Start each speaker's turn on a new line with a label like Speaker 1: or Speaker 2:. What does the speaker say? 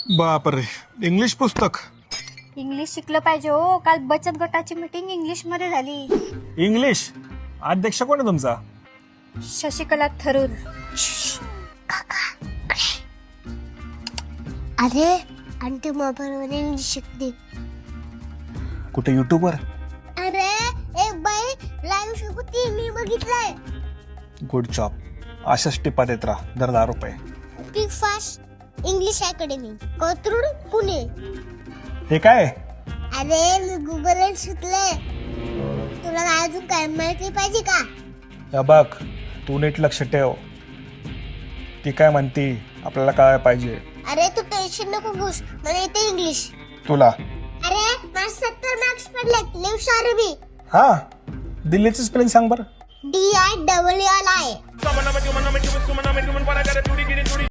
Speaker 1: बापरे, इंग्लिश पुस्तक.
Speaker 2: इंग्लिश शिकलं पाहिजे हो. काल बचत गटाची मीटिंग इंग्लिश मध्ये झाली.
Speaker 3: इंग्लिश अध्यक्ष कोण आहे तुमचा?
Speaker 2: शशिकला थरूर.
Speaker 4: अरे आंटी मोबाईलवर इंग्लिश शिकते.
Speaker 3: कुठे युट्यूबवर?
Speaker 4: अरे एक बाई लाईव्ह शिकवती, मी बघितलंय.
Speaker 3: Good job. अशाच टिपा देत राहा. दर 10 रुपये.
Speaker 4: Speak fast English academy, Kothrud, Pune.
Speaker 3: हे काय?
Speaker 4: अरे मी गुगलवर शिकले. तुला अजून काय माहिती पाहिजे का?
Speaker 3: या बघ, तू नीट लक्ष ठेव. ती काय म्हणती आपल्याला काय पाहिजे.
Speaker 4: अरे तू टेन्शन नको घेऊस, मला येते इंग्लिश.
Speaker 3: तुला?
Speaker 4: अरे मला 70 मार्क्स पडलेत. लिव्स अरबी.
Speaker 3: हा, दिल्लीचं स्पेलिंग सांग बरं.
Speaker 4: DILLI.